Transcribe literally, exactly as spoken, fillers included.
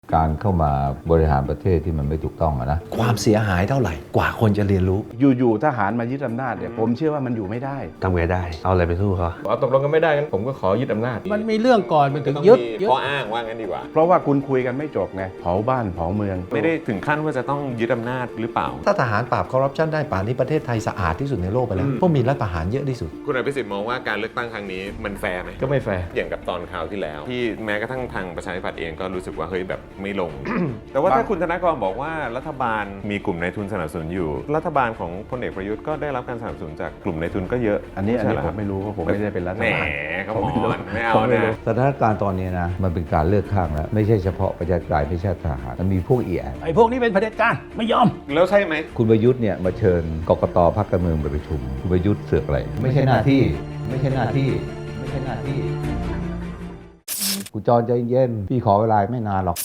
การเข้ามาบริหารประเทศที่มันไม่ถูกต้องอะนะความเสียหายเท่าไหร่กว่าคนจะเรียนรู้อยู่ๆทหารมายึดอำนาจเนี่ยผมเชื่อว่ามันอยู่ไม่ได้ทำไงได้ เอาอะไรไปสู้เขาอ๋อตกลงกันไม่ได้งั้นผมก็ขอยึดอำนาจมันมีเรื่องก่อนมันถึงต้องยึดมียึดข้ออ้างว่างั้นดีกว่าเพราะว่าคุณคุยกันไม่จบไงเผาบ้านเผาเมืองไม่ได้ถึงขั้นว่าจะต้องยึดอำนาจหรือเปล่าถ้าทหารปราบคอร์รัปชันได้ป่านนี้ประเทศไทยสะอาดที่สุดในโลกไปแล้วเพราะมีรัฐประหารเยอะที่สุดคุณอภิสิทธิ์มองว่าการเลือกตั้งครั้งนี้มันแฟร์ไหมก็ไม่แฟร์อย่างกับตอนคราวที่แล้ว ที่แม้กระทั่งทางประชาธิปัตย์เองก็รู้สึกว่าเฮ้ยแบบไม่ลง แต่ว่าถ้าคุณธนากรบอกว่ารัฐบาลมีกลุ่มนายทุนสนับสนุนอยู่ รัฐบาลของพลเอกประยุทธ์ก็ได้รับการสนับสนุนจากกลุ่มนายทุนก็เยอะอันนี้อันนี้ใช่เหรผมไม่รู้เพราะผมไม่ได้เป็นรัฐแหมบาลเขาบอกไม่เอาผมไม่รู้นะสถานการณ์ตอนนี้นะมันเป็นการเลือกข้างแล้วไม่ใช่เฉพาะประชาธิปไตยไม่ใช่ทหารมันมีพวกอีแอนไอ้พวกนี้เป็นเผด็จการไม่ยอมแล้วใช่ไหมคุณประยุทธ์เนี่ยมาเชิญกกตพรรคการเมืองไปประชุมคุณประยุทธ์เสือกอะไรไม่ใช่หน้าที่ไม่ใช่หน้าที่ไม่ใช่หน้าที่คุณจรใจเย็นพี่ขอเวลาไม่นานหรอก